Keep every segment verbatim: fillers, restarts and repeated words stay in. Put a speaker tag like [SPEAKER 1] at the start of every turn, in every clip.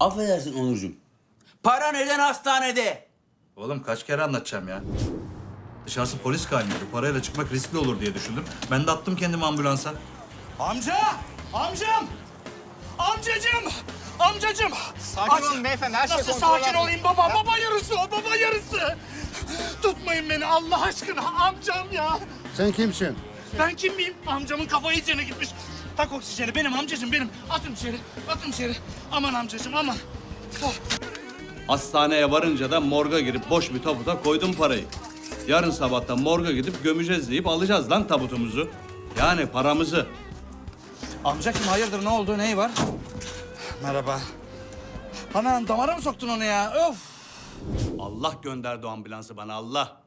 [SPEAKER 1] Affedersin Onurcuğum. Para neden hastanede?
[SPEAKER 2] Oğlum kaç kere anlatacağım ya? Dışarısı polis kaynıyor. Parayla çıkmak riskli olur diye düşündüm. Ben de attım kendimi ambulansa.
[SPEAKER 3] Amca! Amcam! Amcacığım! Amcacığım!
[SPEAKER 4] Sakin olun beyefendi, her şey
[SPEAKER 3] Nasıl
[SPEAKER 4] kontrol
[SPEAKER 3] sakin
[SPEAKER 4] altında.
[SPEAKER 3] olayım baba? Baba yarısı o, baba yarısı! Tutmayın beni Allah aşkına, amcam ya!
[SPEAKER 5] Sen kimsin?
[SPEAKER 3] Ben kim miyim? Amcamın kafayı içine gitmiş. Tak oksijeni, benim amcacığım benim. Atın içeri, atın içeri. Aman amcacığım, aman. Oh.
[SPEAKER 6] Hastaneye varınca da morga girip boş bir tabuta koydum parayı. Yarın sabahtan morga gidip gömeceğiz deyip alacağız lan tabutumuzu. Yani paramızı.
[SPEAKER 3] Amca kim? Hayırdır, ne oldu? Neyi var? Merhaba. Anam, damara mı soktun onu ya? Of!
[SPEAKER 6] Allah gönderdi o ambulansı bana, Allah.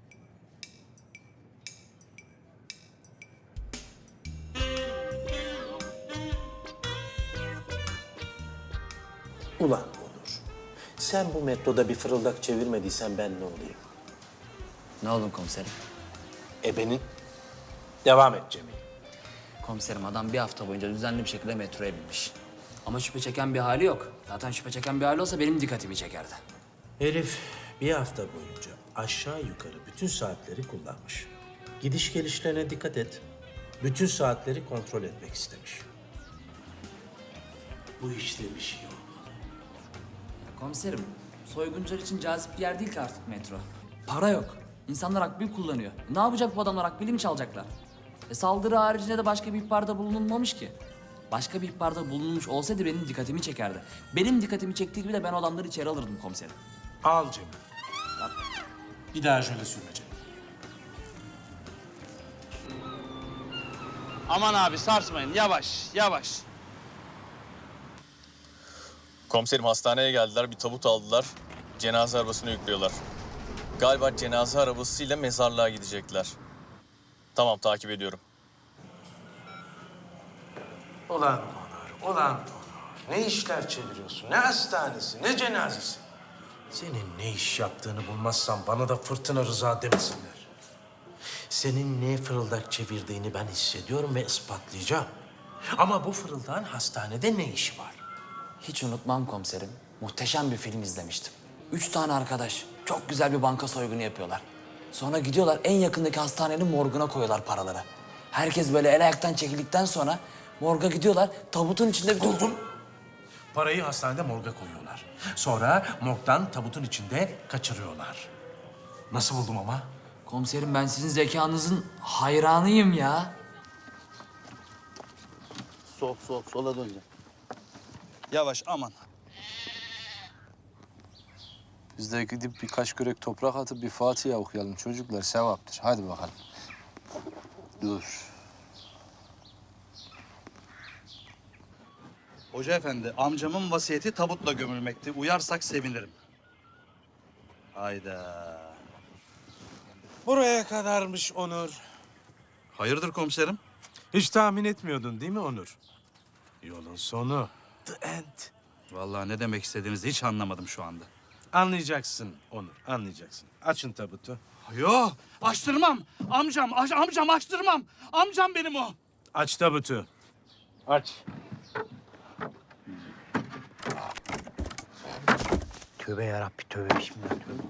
[SPEAKER 7] Ulan Onur, sen bu metroda bir fırıldak çevirmediysen ben ne olayım?
[SPEAKER 8] Ne oldu komiserim?
[SPEAKER 7] Ebenin. Devam et Cemil.
[SPEAKER 8] Komiserim adam bir hafta boyunca düzenli bir şekilde metroya binmiş. Ama şüphe çeken bir hali yok. Zaten şüphe çeken bir hali olsa benim dikkatimi çekerdi.
[SPEAKER 7] Herif bir hafta boyunca aşağı yukarı bütün saatleri kullanmış. Gidiş gelişlerine dikkat et. Bütün saatleri kontrol etmek istemiş. Bu işte bir şey olmalı.
[SPEAKER 8] Komiserim, soyguncular için cazip bir yer değil ki artık metro. Para yok. İnsanlar akbil kullanıyor. Ne yapacak bu adamlar? Akbili mi çalacaklar? E saldırı haricinde de başka bir ihbarda bulunulmamış ki. Başka bir ihbarda bulunmuş olsaydı benim dikkatimi çekerdi. Benim dikkatimi çektiği gibi de ben o adamları içeri alırdım komiserim.
[SPEAKER 7] Al Cemil. Bir daha şöyle sürme Cemil.
[SPEAKER 3] Aman abi sarsmayın, yavaş, yavaş.
[SPEAKER 9] Komiserim hastaneye geldiler, bir tabut aldılar. Cenaze arabasına yüklüyorlar. Galiba cenaze arabasıyla mezarlığa gidecekler. Tamam, takip ediyorum.
[SPEAKER 7] Ulan Onur, ulan Onur. Ne işler çeviriyorsun? Ne hastanesi, ne cenazesi? Senin ne iş yaptığını bulmazsam bana da Fırtına Rıza demesinler. Senin ne fırıldak çevirdiğini ben hissediyorum ve ispatlayacağım. Ama bu fırıldağın hastanede ne işi var?
[SPEAKER 8] Hiç unutmam komiserim. Muhteşem bir film izlemiştim. Üç tane arkadaş çok güzel bir banka soygunu yapıyorlar. Sonra gidiyorlar en yakındaki hastanenin morguna koyuyorlar paraları. Herkes böyle el ayaktan çekildikten sonra morga gidiyorlar. Tabutun içinde bir...
[SPEAKER 7] Buldum. Parayı hastanede morga koyuyorlar. Sonra morgdan tabutun içinde kaçırıyorlar. Nasıl buldum ama?
[SPEAKER 8] Komiserim ben sizin zekanızın hayranıyım ya.
[SPEAKER 1] Sol, sol, sola döneceğim.
[SPEAKER 2] Yavaş aman.
[SPEAKER 10] Biz de gidip birkaç kürek toprak atıp bir Fatiha okuyalım çocuklar, sevaptır. Hadi bakalım. Dur.
[SPEAKER 2] Hoca efendi, amcamın vasiyeti tabutla gömülmekti. Uyarsak sevinirim. Hayda.
[SPEAKER 11] Buraya kadarmış Onur.
[SPEAKER 2] Hayırdır komiserim?
[SPEAKER 11] Hiç tahmin etmiyordun değil mi Onur? Yolun sonu. The end.
[SPEAKER 2] Vallahi ne demek istediğinizi hiç anlamadım şu anda.
[SPEAKER 11] Anlayacaksın Onur, anlayacaksın. Açın tabutu.
[SPEAKER 3] Yo, açtırmam. Amcam, aç- amcam açtırmam. Amcam benim o.
[SPEAKER 11] Aç tabutu. Aç.
[SPEAKER 7] Tövbe yarabbi tövbe bismillah tövbe.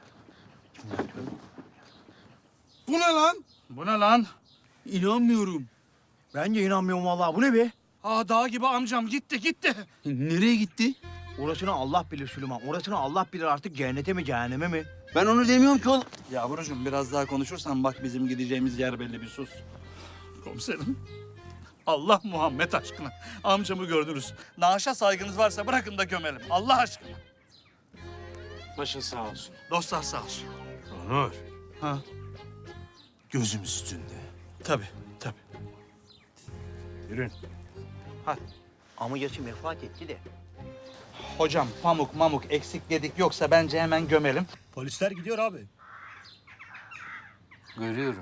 [SPEAKER 3] Bu ne lan? Bu ne lan?
[SPEAKER 1] İnanmıyorum.
[SPEAKER 4] Ben de inanmıyorum vallahi. Bu ne be?
[SPEAKER 3] Aa, dağ gibi amcam gitti, gitti.
[SPEAKER 1] Nereye gitti?
[SPEAKER 4] Orasını Allah bilir Süleyman. Orasını Allah bilir artık cennete mi cehenneme mi?
[SPEAKER 1] Ben onu demiyorum ki oğlum.
[SPEAKER 2] Yavrucuğum biraz daha konuşursan bak bizim gideceğimiz yer belli, bir sus.
[SPEAKER 3] Komiserim, Allah Muhammed aşkına. Amcamı gördünüz. Naaşa saygınız varsa bırakın da gömelim. Allah aşkına.
[SPEAKER 11] Başın sağ olsun.
[SPEAKER 3] Dostlar sağ olsun.
[SPEAKER 11] Onur,
[SPEAKER 3] Ha,
[SPEAKER 11] gözüm üstünde.
[SPEAKER 3] tabii, tabii.
[SPEAKER 11] Yürün.
[SPEAKER 4] Ama yaşı vefat etti de.
[SPEAKER 3] Hocam pamuk mamuk eksik dedik yoksa bence hemen gömelim.
[SPEAKER 4] Polisler gidiyor abi.
[SPEAKER 10] Görüyorum.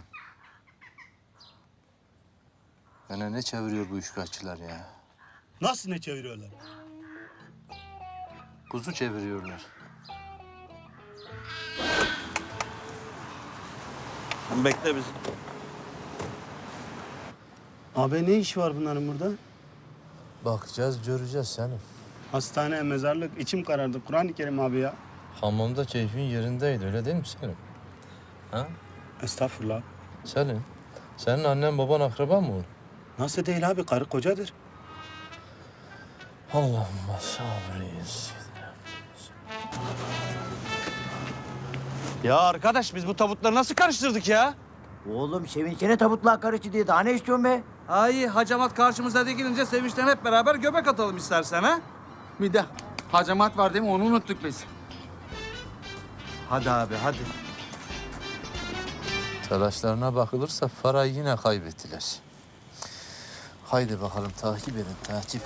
[SPEAKER 10] Bana ne çeviriyor bu üçkağıtçılar ya?
[SPEAKER 4] Nasıl ne çeviriyorlar?
[SPEAKER 10] Kuzu çeviriyorlar.
[SPEAKER 2] Bekle bizi.
[SPEAKER 5] Abi ne iş var bunların burada?
[SPEAKER 10] Bakacağız, göreceğiz senin.
[SPEAKER 5] Hastane, mezarlık, içim karardı. Kur'an-ı Kerim abi ya.
[SPEAKER 10] Hamamda keyfin yerindeydi öyle değil mi Selim? Ha?
[SPEAKER 5] Estağfurullah.
[SPEAKER 10] Selim, senin annen baban akraba mı olur?
[SPEAKER 5] Nasıl değil abi? Karı kocadır.
[SPEAKER 10] Allah'ım sabrıyız.
[SPEAKER 4] Ya arkadaş biz bu tabutları nasıl karıştırdık ya? Oğlum sevinçene tabutlar karıştı diye daha ne istiyorsun be?
[SPEAKER 6] Ay hacamat karşımıza dikilince sevinçten hep beraber göbek atalım istersen ha?
[SPEAKER 1] Bir de hacamat var değil mi? Onu unuttuk biz.
[SPEAKER 4] Hadi abi hadi.
[SPEAKER 10] Telaşlarına bakılırsa parayı yine kaybettiler. Haydi bakalım takip edin, takip.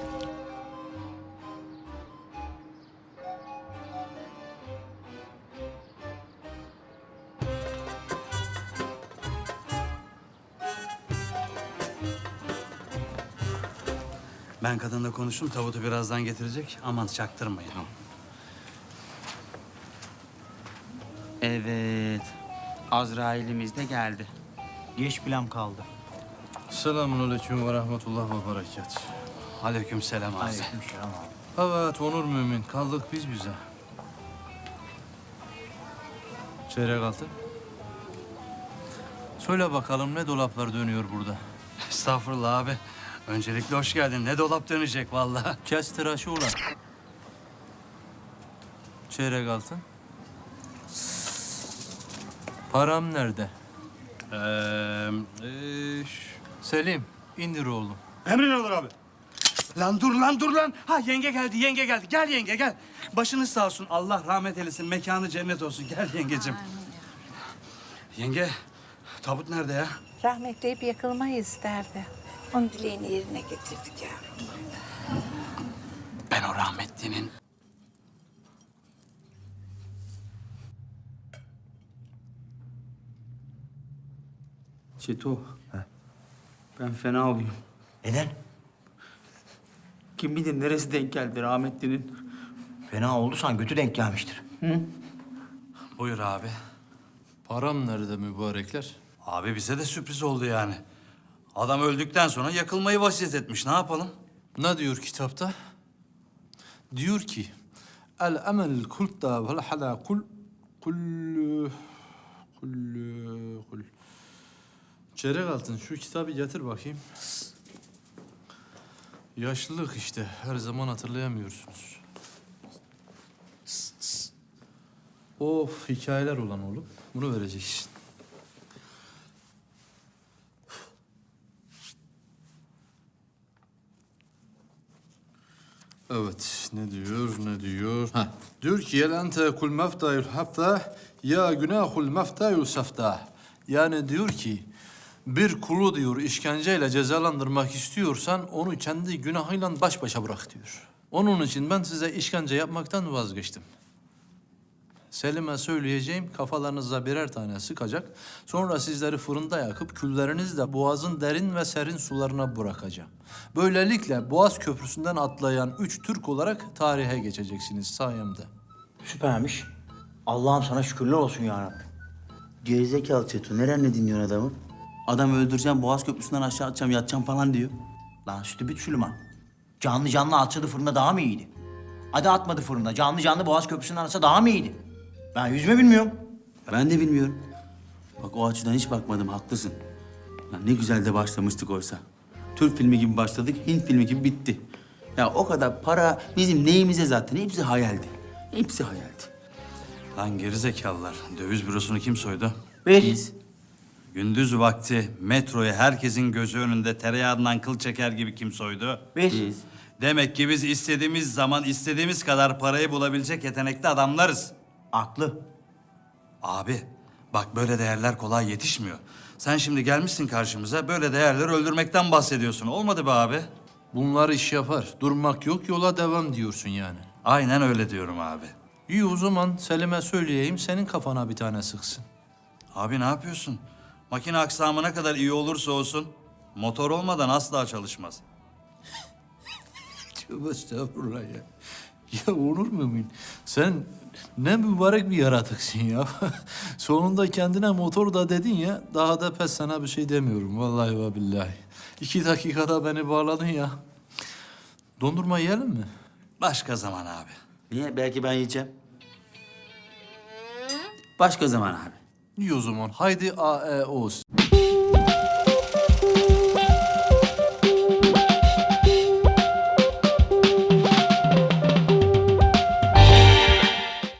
[SPEAKER 3] Ben kadınla konuştum. Tabutu birazdan getirecek. Aman çaktırmayın.
[SPEAKER 1] Evet. Azrail'imiz de geldi.
[SPEAKER 4] Geç plan kaldı.
[SPEAKER 10] Selamun aleyküm ve rahmetullah ve berekat.
[SPEAKER 3] Aleykümselam abi.
[SPEAKER 4] Aleykümselam abi.
[SPEAKER 10] Evet Onur Mümin, kaldık biz bize. Çeyrek altı. Söyle bakalım ne dolaplar dönüyor burada?
[SPEAKER 3] Estağfurullah abi. Öncelikle hoş geldin. Ne dolap dönecek vallahi.
[SPEAKER 10] Kes tıraşı ulan. Çeyrek altın. Param nerede?
[SPEAKER 3] Ee, e, ş-
[SPEAKER 10] Selim, indir oğlum.
[SPEAKER 5] Emrin olur abi.
[SPEAKER 3] Lan dur lan dur lan. Ha yenge geldi yenge geldi. Gel yenge gel. Başınız sağ olsun. Allah rahmet eylesin. Mekanı cennet olsun. Gel yengeciğim. Yenge tabut nerede ya?
[SPEAKER 12] Rahmetli hep yakılmayı isterdi. Onun dileğini yerine getirdik yavrum.
[SPEAKER 3] Ben o rahmetlinin...
[SPEAKER 1] Çeto. Ben fena olayım.
[SPEAKER 4] Neden?
[SPEAKER 1] Kim bilir neresi denk geldi rahmetlinin.
[SPEAKER 4] Fena olduysan götü denk gelmiştir.
[SPEAKER 3] Buyur abi.
[SPEAKER 10] Param nerede mübarekler?
[SPEAKER 3] Abi bize de sürpriz oldu yani. Adam öldükten sonra yakılmayı vasiyet etmiş. Ne yapalım?
[SPEAKER 10] Ne diyor kitapta? Diyor ki el emel kulta vel hala kul kul kul kul. Çeyrek altın şu kitabı getir bakayım. Yaşlılık işte her zaman hatırlayamıyorsunuz. Of hikayeler olan oğlum. Bunu vereceksin. Evet, ne diyor, ne diyor? Ha, diyor ki, yel ente kul meftayul hafta, ya günahul meftayul safta. Yani diyor ki, bir kulu diyor işkenceyle cezalandırmak istiyorsan onu kendi günahıyla baş başa bırak diyor. Onun için ben size işkence yapmaktan vazgeçtim. Selim'e söyleyeceğim, kafalarınıza birer tane sıkacak. Sonra sizleri fırında yakıp küllerinizle boğazın derin ve serin sularına bırakacağım. Böylelikle Boğaz Köprüsü'nden atlayan üç Türk olarak tarihe geçeceksiniz sayemde.
[SPEAKER 4] Süpermiş. Allah'ım sana şükürler olsun ya Rabbi.
[SPEAKER 1] Gerizekalı Çeto. Nerenle dinliyorsun adamı? Adam öldüreceğim, Boğaz Köprüsü'nden aşağı atacağım, yatacağım falan diyor.
[SPEAKER 4] Lan sütü Süleyman. Canlı canlı atsadı fırında daha mı iyiydi? Hadi atmadı fırında. Canlı canlı Boğaz Köprüsü'nden atsa daha mı iyiydi? Ben yüzme bilmiyorum.
[SPEAKER 1] Ben de bilmiyorum. Bak o açıdan hiç bakmadım, haklısın. Lan ne güzel de başlamıştık oysa. Türk filmi gibi başladık, Hint filmi gibi bitti. Ya o kadar para bizim neyimize zaten, hepsi hayaldi. Hepsi hayaldi.
[SPEAKER 3] Lan gerizekalılar. Döviz bürosunu kim soydu?
[SPEAKER 1] Biz.
[SPEAKER 3] Gündüz vakti metroyu herkesin gözü önünde tereyağından kıl çeker gibi kim soydu?
[SPEAKER 1] Biz.
[SPEAKER 3] Demek ki biz istediğimiz zaman istediğimiz kadar parayı bulabilecek yetenekli adamlarız.
[SPEAKER 4] Aklı.
[SPEAKER 3] Abi bak böyle değerler kolay yetişmiyor. Sen şimdi gelmişsin karşımıza böyle değerleri öldürmekten bahsediyorsun. Olmadı be abi.
[SPEAKER 10] Bunlar iş yapar. Durmak yok, yola devam diyorsun yani.
[SPEAKER 3] Aynen öyle diyorum abi.
[SPEAKER 10] İyi o zaman Selim'e söyleyeyim, senin kafana bir tane sıksın.
[SPEAKER 3] Abi ne yapıyorsun? Makine aksamı ne kadar iyi olursa olsun motor olmadan asla çalışmaz.
[SPEAKER 10] Tövbe estağfurullah ya. Ya Onur Mümin, sen ne mübarek bir yaratıksın ya. Sonunda kendine motor da dedin ya, daha da pes sana bir şey demiyorum vallahi ve billahi. İki dakikada beni bağladın ya. Dondurma yiyelim mi?
[SPEAKER 3] Başka zaman abi.
[SPEAKER 1] Niye? Belki ben yiyeceğim. Başka zaman abi.
[SPEAKER 10] İyi o zaman. Haydi A E O's.